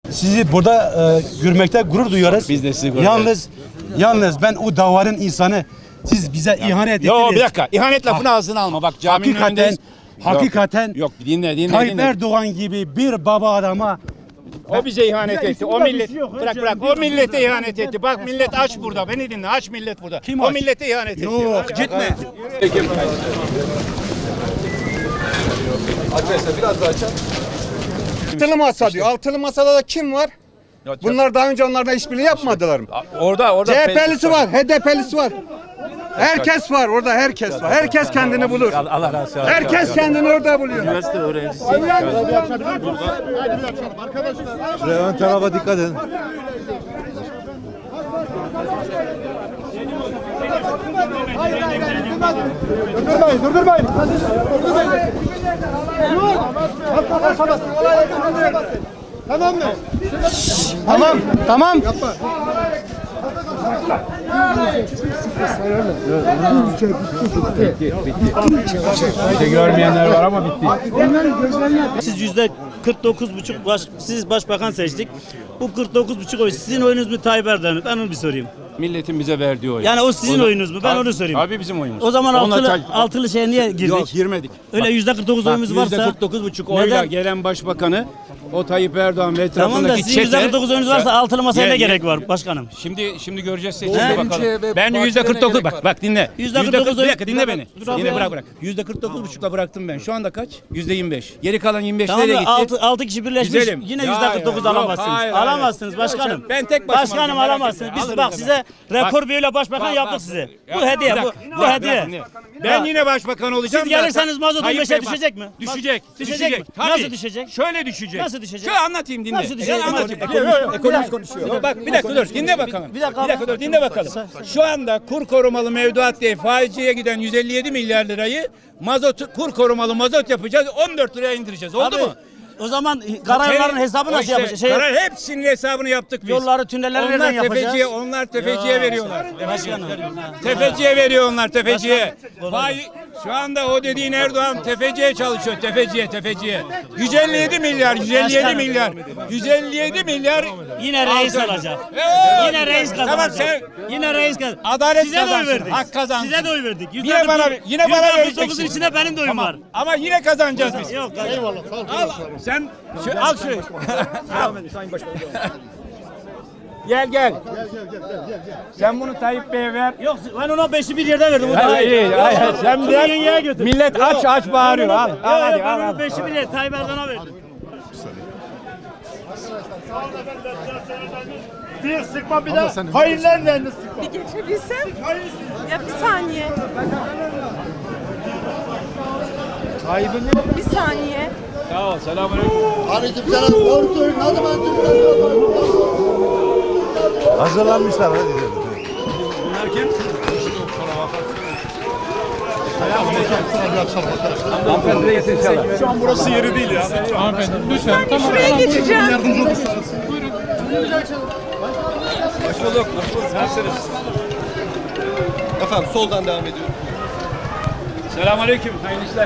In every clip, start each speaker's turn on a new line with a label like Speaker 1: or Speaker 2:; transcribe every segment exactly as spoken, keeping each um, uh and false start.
Speaker 1: sizi burada e, görmekte gurur duyuyoruz.
Speaker 2: Biz de sizi gurur
Speaker 1: Yalnız, yalnız ben o davarın insanı, siz bize ihanet ettiniz.
Speaker 2: Yok bir dakika. İhanet lafını ağzına alma. Bak caminin
Speaker 1: Hakikaten,
Speaker 2: önündeyiz.
Speaker 1: hakikaten
Speaker 2: Yok, yok dinle dinle
Speaker 1: Tayyip
Speaker 2: dinle.
Speaker 1: Erdoğan gibi bir baba adama
Speaker 2: O bize ihanet
Speaker 1: Bize
Speaker 2: etti.
Speaker 1: burada
Speaker 2: O
Speaker 1: bir
Speaker 2: millet
Speaker 1: şey yok.
Speaker 2: bırak bırak. O millete ihanet etti. Bak millet aç burada. Beni dinle. Aç millet burada.
Speaker 1: Kim
Speaker 2: o
Speaker 1: aç?
Speaker 2: millete ihanet etti.
Speaker 1: Yok, gitme.
Speaker 3: Arkadaşlar biraz daha açalım.
Speaker 4: Altılı masa diyor. Altılı masada da kim var? Bunlar daha önce onlarla işbirliği yapmadılar mı?
Speaker 2: Orada orada
Speaker 4: C H P'lisi var, H D P'lisi var. Herkes var orada, herkes var. Herkes kendini bulur.
Speaker 2: Allah razı olsun.
Speaker 4: Herkes kendini orada buluyor.
Speaker 3: Şuraya ön tarafa dikkat edin.
Speaker 4: Durdurmayın, durdurmayın. Durdurmayın. Tamam mı? Tamam, tamam.
Speaker 2: Görmeyenler var ama bitti.
Speaker 5: Siz yüzde kırk dokuz buçuk baş, siz başbakan seçtik. Bu kırk dokuz buçuk oy sizin oyunuz mu Tayyip Erdoğan mı? Ben onu bir sorayım.
Speaker 2: Milletin bize verdiği oy.
Speaker 5: Yani o sizin
Speaker 2: da-
Speaker 5: oyunuz mu? Ben
Speaker 2: Tabii-
Speaker 5: onu sorayım.
Speaker 2: Tabii bizim oyumuz.
Speaker 5: O zaman
Speaker 2: Onunla
Speaker 5: altılı,
Speaker 2: ta-
Speaker 5: altılı şeye niye girdik?
Speaker 2: Yok girmedik.
Speaker 5: Öyle yüzde kırk dokuz oyumuz varsa.
Speaker 2: yüzde kırk dokuz buçuk oyla
Speaker 5: neden?
Speaker 2: gelen başbakanı o Tayyip Erdoğan ve
Speaker 5: Tamam da
Speaker 2: etrafındaki
Speaker 5: sizin yüzde kırk dokuz oyunuz varsa altılı masaya
Speaker 2: Ye-
Speaker 5: ne
Speaker 2: ye-
Speaker 5: gerek var başkanım?
Speaker 2: Şimdi şimdi göreceğiz seçimde
Speaker 5: He?
Speaker 2: bakalım. Ben yüzde kırk dokuz bak bak dinle.
Speaker 5: Yüzde kırk
Speaker 2: Yüzde
Speaker 5: dokuz
Speaker 2: kırk- bir dakika dinle
Speaker 5: Dur,
Speaker 2: beni.
Speaker 5: dur abi
Speaker 2: Dinle
Speaker 5: ya.
Speaker 2: bırak bırak. Yüzde kırk dokuz buçukla bıraktım ben. Şu anda kaç? Yüzde yirmi beş. Geri kalan yirmi beş
Speaker 5: Tamam
Speaker 2: nereye
Speaker 5: da
Speaker 2: gitti?
Speaker 5: altı, altı kişi birleşmiş
Speaker 2: Güzelim.
Speaker 5: yine
Speaker 2: Ya,
Speaker 5: yüzde kırk dokuz
Speaker 2: ya, yok,
Speaker 5: alamazsınız.
Speaker 2: hayır, hayır.
Speaker 5: Alamazsınız başkanım.
Speaker 2: Ben tek başıma
Speaker 5: Başkanım
Speaker 2: alacağım, merak
Speaker 5: alamazsınız.
Speaker 2: etme.
Speaker 5: Biz
Speaker 2: Alırım
Speaker 5: bak
Speaker 2: ben.
Speaker 5: size rekor
Speaker 2: Bak.
Speaker 5: büyüyle başbakan
Speaker 2: Bak,
Speaker 5: yaptık
Speaker 2: bak.
Speaker 5: size.
Speaker 2: Ya,
Speaker 5: Bu hediye
Speaker 2: bir
Speaker 5: bu,
Speaker 2: dakika,
Speaker 5: bu
Speaker 2: bak, bir
Speaker 5: hediye.
Speaker 2: dakika, dinle. Ben yine başbakan olacağım.
Speaker 5: Siz gelirseniz
Speaker 2: da-
Speaker 5: mazot on
Speaker 2: Tayyip
Speaker 5: beşe
Speaker 2: Bey, bak,
Speaker 5: düşecek mi?
Speaker 2: Düşecek.
Speaker 5: Bak, düşecek mi?
Speaker 2: Tabii.
Speaker 5: Nasıl düşecek?
Speaker 2: Şöyle düşecek.
Speaker 5: Nasıl düşecek?
Speaker 2: Şöyle anlatayım dinle.
Speaker 5: Nasıl düşecek?
Speaker 2: Ben anlatayım.
Speaker 5: Ekonomist-
Speaker 2: Yok, yok, ekonomist konuşuyor. Yok, bak bir dakika dur dinle bakalım.
Speaker 5: Bir dakika
Speaker 2: Bir dakika dur dinle bakalım. Şu anda kur korumalı mevduat diye faizciye giden yüz elli yedi milyar lirayı mazot kur korumalı mazot yapacağız. on dört liraya indireceğiz. Oldu
Speaker 5: Abi,
Speaker 2: mu?
Speaker 5: O zaman karayolların hesabı
Speaker 2: O
Speaker 5: nasıl
Speaker 2: işte,
Speaker 5: yapacağız? Şey,
Speaker 2: karar hepsinin hesabını yaptık biz.
Speaker 5: Yolları, tünelleri
Speaker 2: onlar
Speaker 5: nereden yapacağız?
Speaker 2: tefeciye, onlar tefeciye
Speaker 5: Ya,
Speaker 2: veriyorlar.
Speaker 5: başkanım.
Speaker 2: Tefeciye veriyor onlar tefeciye.
Speaker 5: Başkanım.
Speaker 2: Vay, şu anda o dediğin Erdoğan tefeciye çalışıyor. Tefeciye, tefeciye. yüz elli yedi milyar, yüz elli yedi
Speaker 5: Başkanım.
Speaker 2: milyar. yüz elli yedi milyar.
Speaker 5: Yine reis
Speaker 2: Alacak.
Speaker 5: alacak.
Speaker 2: Evet.
Speaker 5: Yine reis kazanacak.
Speaker 2: Tamam sen
Speaker 5: Yine reis kazanacak.
Speaker 2: Adalet
Speaker 5: Size de oy
Speaker 2: kazansın,
Speaker 5: verdik.
Speaker 2: hak kazansın.
Speaker 5: Size de oy verdik.
Speaker 2: Yine bana yine bana
Speaker 5: yüzde kırk
Speaker 2: vereceksin.
Speaker 5: dokuzun içinde benim de oyum
Speaker 2: Ama,
Speaker 5: var.
Speaker 2: ama yine kazanacağız biz.
Speaker 5: Yok. Eyvallah.
Speaker 2: Al, sen şu, al şurayı. Al. Gel gel. Sen bunu Tayyip Bey'e ver.
Speaker 5: Yok ben ona beşi bir yerde verdim. O da
Speaker 2: Hayır,
Speaker 5: iyi.
Speaker 2: hayır, hayır. Sen
Speaker 5: Şunu
Speaker 2: bırak.
Speaker 5: yengeye götür.
Speaker 2: Millet aç aç bağırıyor. Al,
Speaker 5: Yok,
Speaker 2: al hadi
Speaker 5: yok,
Speaker 2: al.
Speaker 5: ben
Speaker 2: al.
Speaker 5: onu beşi bir yerde Tayyip Erdoğan'a verdim.
Speaker 4: Bir sıkma bir daha. Hayırlarla sıkma.
Speaker 6: Bir geçebilsem. Ya bir saniye. Bir saniye.
Speaker 2: Sağ ol. Selamünaleyküm.
Speaker 4: Aleykümselam. Doğru söylüyorsun. Hadi ben Türk'üm.
Speaker 3: Hazırlanmışlar hadi diyorum.
Speaker 2: Bunlar kim?
Speaker 4: Şu an burası yeri değil ya.
Speaker 6: Şuraya geçeceğim.
Speaker 3: Efendim soldan devam ediyorum.
Speaker 2: Selamünaleyküm. Hayırlı işler.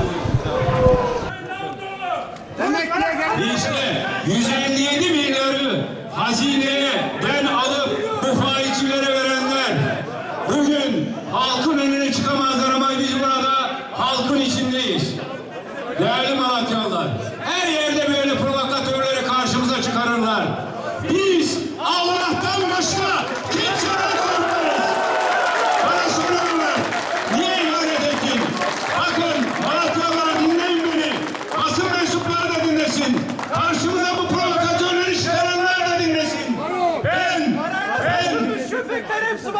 Speaker 7: İşte yüz elli yedi milyarı hazineye ben alıp bu faizcilere verenler bugün halkın önüne çıkamazlar ama biz burada halkın içindeyiz. Değerli Malatyalılar, her yerde böyle provokatörleri karşımıza çıkarırlar. Biz Allah'tan başka kimseden korkmayız. Bana soruyorlar, niye ihanet ettin? Bakın Malatyalılar dinleyin beni. Basın mensupları da dinlesin. Karşımıza bu provokatörleri çıkaranlar da dinlesin. Ben, ben,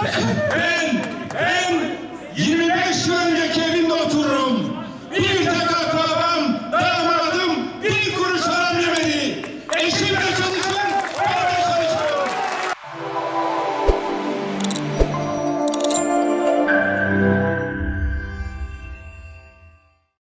Speaker 7: ben, ben yirmi beş yıl önceki evimde otururum. Bir tek